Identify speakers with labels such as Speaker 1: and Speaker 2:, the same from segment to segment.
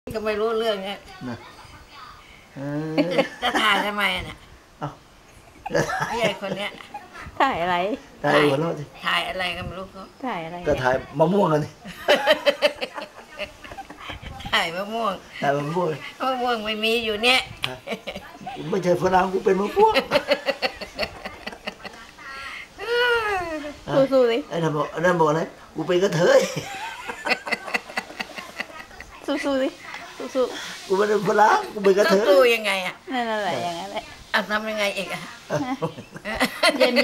Speaker 1: ก็ไม่รู้เรื่องเนี้ย
Speaker 2: นะ
Speaker 1: จะถ่ายทำไมน่ะไอ้ใหญ่คนเนี้ย
Speaker 3: ถ่ายอะไร
Speaker 2: ถ่ายหัวเราะสิ
Speaker 1: ถ่ายอะไรก็ไม่รู้เขา
Speaker 3: ถ่ายอะไร
Speaker 2: ก็ถ่ายมะม่วงกันสิ
Speaker 1: ถ่ายมะม่วง
Speaker 2: ถ่ายมะม่วง
Speaker 1: ไม่มีอยู่เนี่ย
Speaker 2: ไม่ใช่ฝรั่งกูเป็นมะม่วง
Speaker 3: สู้ๆสิ
Speaker 2: ไอ้นั่นบอกอะไรกูเป็นกระเทย
Speaker 3: สู้ๆสิสู้
Speaker 2: กูไม่เป็นฝรั่งกูเป็นกระเทย
Speaker 1: สู้ยังไงอ่ะ
Speaker 3: นั่นแหละอย่างนั้นแหละ
Speaker 1: ทำยังไงอีกอ่ะ
Speaker 3: เยี่ยม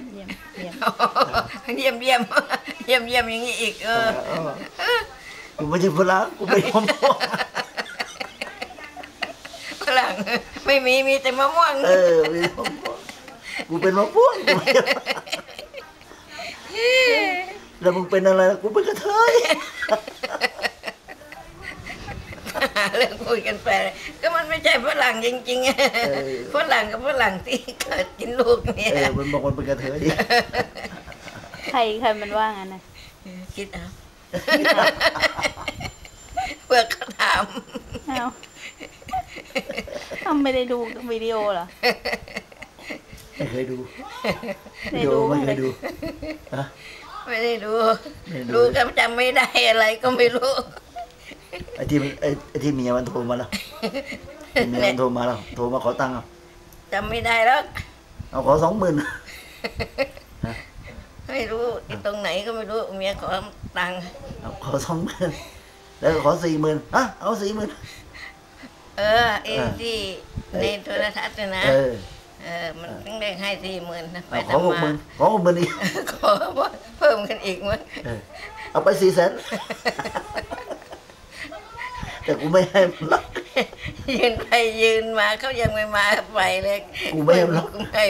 Speaker 1: อย่างนี้อีก
Speaker 2: กูไม่ใช่ฝรั่งกูเป็นมะม่วง
Speaker 1: ฝรั่งไม่มีแต่มะม่วง
Speaker 2: มีมะม่วงกูเป็นมะม่วงแล้วมึงเป็นอะไรกูเป็นกระเทย
Speaker 1: เรื่องคุยกันไปก็มันไม่ใช่ฝรั่งจริงๆฝรั่งกับฝรั่งที่เกิดกินลูกเนี่ย
Speaker 2: มันบอกมันเป็นกระเทย
Speaker 3: ใครมันว่างั้นนะ
Speaker 1: คิดเอาเพื่อเขาถาม
Speaker 3: ไม่ได้ดูวิดีโอเหรอ
Speaker 2: ไม่เคยดูวิดีโอไม่เคยดู
Speaker 1: ไม่ได้ดูก็จำไม่ได้อะไรก็ไม่รู้
Speaker 2: ไอ้ที่เมียมันโทรมาแล้วเมียมันโทรมาแล้วโทรมาขอตังค์
Speaker 1: จำไม่ได้แล้ว
Speaker 2: เอาขอ20,000
Speaker 1: ไม่รู้ตรงไหนก็ไม่รู้เมียขอตังค์
Speaker 2: ขอ20,000แล้วขอ40,000เอา40,000
Speaker 1: ไอ้ที่ในโทรทัศน์นะมันต้องได้ให้40,000นะไป
Speaker 2: ขอ60,000อีก
Speaker 1: ขอเพิ่มกันอีกมั้ง
Speaker 2: เอาไป400,000แต่กูไม่ให้ล็อก
Speaker 1: ยืนไปยืนมาเขายังไม่มาไปเลย
Speaker 2: กูไม่ให้ล็อก
Speaker 1: ไม่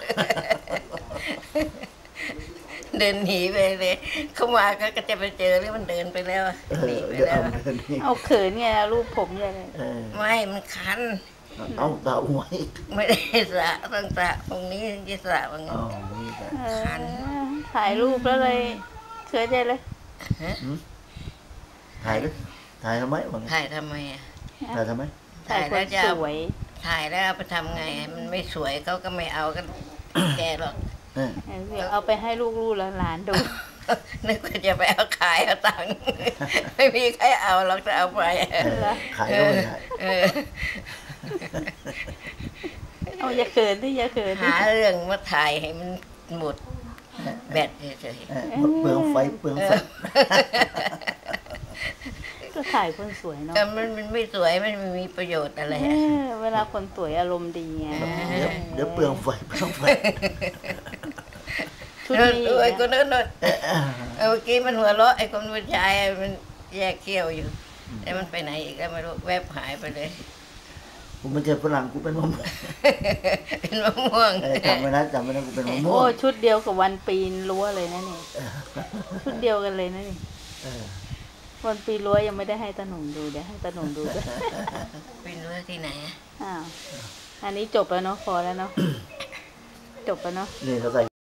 Speaker 1: เดินหนีไปเลยเขามาก็จะไปเจอหรือมันเดินไปแล้วหนีไปแล้ว
Speaker 3: เอาเขินไงรูปผมยังไง
Speaker 1: ไม่มันคัน
Speaker 2: เอาสระหัว
Speaker 1: ไม่ได้สระต้องสระตรงนี้ที่สระว่าไง
Speaker 3: คันถ่ายรูปแล้วเลยเขินใจเลย
Speaker 2: ถ่ายทำไม
Speaker 1: ถ่ายทำไม
Speaker 2: ถ่ายทำไม
Speaker 3: ถ่ายแล้วจะสวย
Speaker 1: ถ่ายแล้วไปทำไงมันไม่สวยเขาก็ไม่เอากันแกหรอก
Speaker 3: เอาไปให้ลูกหลานดู
Speaker 1: นึกว่าจะไปเอาขายเอาตังค์ไม่มีใครเอาหรอกจะเอาไป
Speaker 2: ขายก็ไม่ได้
Speaker 3: เอาอย่าเขินดิอย่าเขิน
Speaker 1: หาเรื่องมาถ่ายให้มันหมดแบตเฉย
Speaker 2: ๆเปลืองไฟ
Speaker 3: ก็ถ่ายคนสวยเนาะ
Speaker 1: มันไม่สวยมันไม่มีประโยชน์อะไร
Speaker 3: เวลาคนสวยอารมณ์ดีไง
Speaker 2: เดี๋ยวเปลืองไฟ
Speaker 1: ชุดนี้ไอ้คนนั้นเมื่อกี้มันหัวเราะไอ้คนผู้ชายมันแยกเขี้ยวอยู่แต่มันไปไหนอีกก็ไม่รู้แวบหายไปเลย
Speaker 2: กูไม่ใช่ฝรั่งกูเป็นมะม่วง
Speaker 1: เป็นมะม่วง
Speaker 2: จำไว้นะกูเป็นมะม่วง
Speaker 3: โอ้ชุดเดียวกับวันปีนรั้วเลยนะนี่ชุดเดียวกันเลยนะนี่วันปีรั้วยังไม่ได้ให้ตาหนุ่มดูเดี๋ยวให้ตาหนุ่มดูด้วย
Speaker 1: ปีรั้วที่ไหน
Speaker 3: อันนี้จบแล้วเนาะพอแล้วเนาะจบแล้วเนาะ
Speaker 2: นี่เขาใส่